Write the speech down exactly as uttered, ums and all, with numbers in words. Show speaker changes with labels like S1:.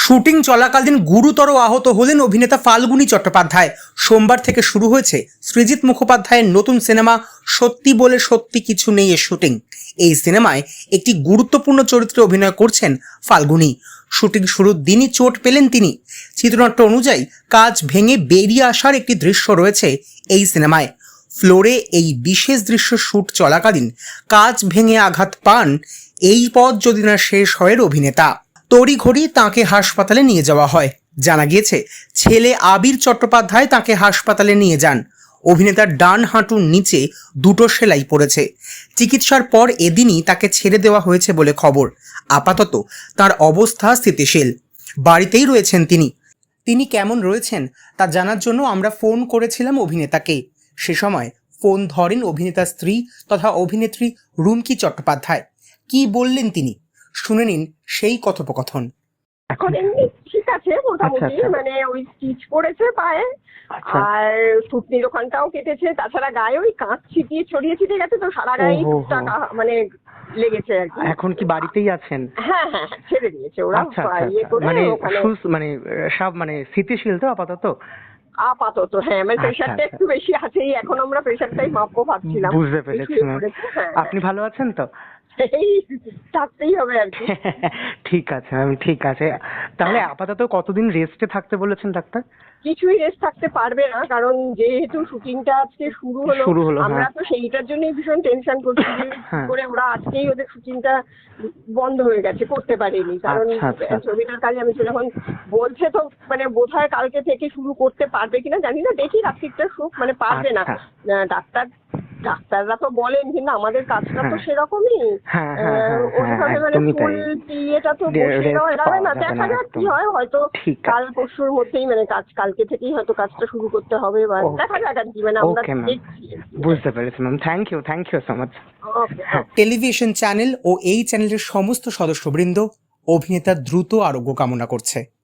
S1: Shooting চলাকালীন গুরুতর আহত হলেন অভিনেতা ফাল্গুনী চট্টোপাধ্যায়। সোমবার থেকে শুরু হয়েছে সৃজিত মুখোপাধ্যায়ের নতুন সিনেমা সত্যি বলে সত্যি কিছু নেই এর শুটিং। এই সিনেমায় একটি গুরুত্বপূর্ণ চরিত্রে অভিনয় করছেন ফাল্গুনী। শুটিং শুরুর দিনই চোট পেলেন তিনি। চিত্রনাট্য অনুযায়ী কাজ ভেঙে বেরিয়ে আসার একটি দৃশ্য রয়েছে এই সিনেমায়। ফ্লোরে এই বিশেষ দৃশ্য শুট চলাকালীন কাজ ভেঙে আঘাত পান। এই পথ যদি না শেষ হয় অভিনেতা, তড়িঘড়ি তাঁকে হাসপাতালে নিয়ে যাওয়া হয়। জানা গিয়েছে ছেলে আবির চট্টোপাধ্যায় তাঁকে হাসপাতালে নিয়ে যান। অভিনেতার ডান হাঁটুর নিচে দুটো সেলাই পড়েছে। চিকিৎসার পর এদিনই তাকে ছেড়ে দেওয়া হয়েছে বলে খবর। আপাতত তার অবস্থা স্থিতিশীল, বাড়িতেই রয়েছেন তিনি। তিনি কেমন রয়েছেন তা জানার জন্য আমরা ফোন করেছিলাম অভিনেতাকে। সে সময় ফোন ধরেন অভিনেতার স্ত্রী তথা অভিনেত্রী রুমকি চট্টোপাধ্যায়। কি বললেন তিনি, শুনে নিন সেই কথোপকথন।
S2: এখন এমনি ঠিক আছে মোটামুটি, মানে ওই স্টিচ পড়েছে পায়ে, আর থুতনির ওখানটাও কেটেছে। তাছাড়া গায়ে ওই কাঁচ ছিটিয়ে ছড়িয়ে ছিটিয়ে গেছে, তো সারা গায়ে টুকটাক মানে লেগেছে আর কি।
S3: এখন কি বাড়িতেই আছেন?
S2: হ্যাঁ হ্যাঁ হ্যাঁ, ছেড়ে দিয়েছে ওরা।
S3: আচ্ছা,
S2: ইয়ে করে
S3: মানে
S2: ওখানে
S3: সুস- মানে সব মানে স্থিতিশীল তো আপাতত?
S2: আপাতত হ্যাঁ, মানে প্রেশারটা একটু বেশি আছেই। এখন আমরা প্রেশারটাই মাপবো ভাবছিলাম।
S3: বুঝতে পেরেছি ম্যাম। আপনি ভালো আছেন তো?
S2: এই থাকতেই হবে আর কি।
S3: ঠিক আছে ম্যাম, ঠিক আছে। তাহলে আপাতত কতদিন রেস্টে থাকতে বলেছেন ডাক্তার?
S2: কিছুই রেস্ট থাকতে পারবে না, কারণ যেহেতু শুটিংটা আজকে শুরু হলো,
S3: শুরু হলো,
S2: আমরা
S3: হ্যাঁ।
S2: তো সেইটার জন্যই ভীষণ টেনশন করছি যে
S3: হ্যাঁ।
S2: করে ওরা আজকেই ওদের শুটিংটা বন্ধ হয়ে গেছে, করতে পারেনি। কারণ
S3: আচ্ছা, আচ্ছা।
S2: ছবিটার কাজে আমি যখন বলছে তো মানে বোধহয় কালকে থেকে শুরু করতে পারবে কিনা জানি না, দেখি রাত্রিটা সুখ মানে পারবে না।
S3: আচ্ছা।
S2: আহ, ডাক্তার ডাক্তাররা তো বলেন, কিন্তু আমাদের কাজটা তো
S3: হ্যাঁ।
S2: সেরকমই।
S3: হ্যাঁ, হ্যাঁ, হ্যাঁ, হ্যাঁ,
S2: ওইভাবে মানে
S3: একদমই
S2: ফুল
S3: তাই।
S2: ইয়েটা তো
S3: যে
S2: বসে
S3: rest
S2: দেওয়া যাবে না।
S3: পাওয়া যাবে
S2: দেখা
S3: না,
S2: যাক কি
S3: একদম।
S2: হয়, হয়তো
S3: ঠিক আছে।
S2: কাল পরশুর মধ্যেই মানে কাজ কালকে থেকেই হয়তো কাজটা শুরু করতে হবে, বা
S3: Okay.
S2: দেখা যাক আর কি, মানে আমরা
S3: Okay, ma'am.
S2: দেখছি।
S3: বুঝতে পেরেছি ma'am, thank you, thank you so much.
S2: Okay.
S1: Television channel ও এই চ্যানেলের সমস্ত সদস্যবৃন্দ অভিনেতার দ্রুত আরোগ্য কামনা করছে।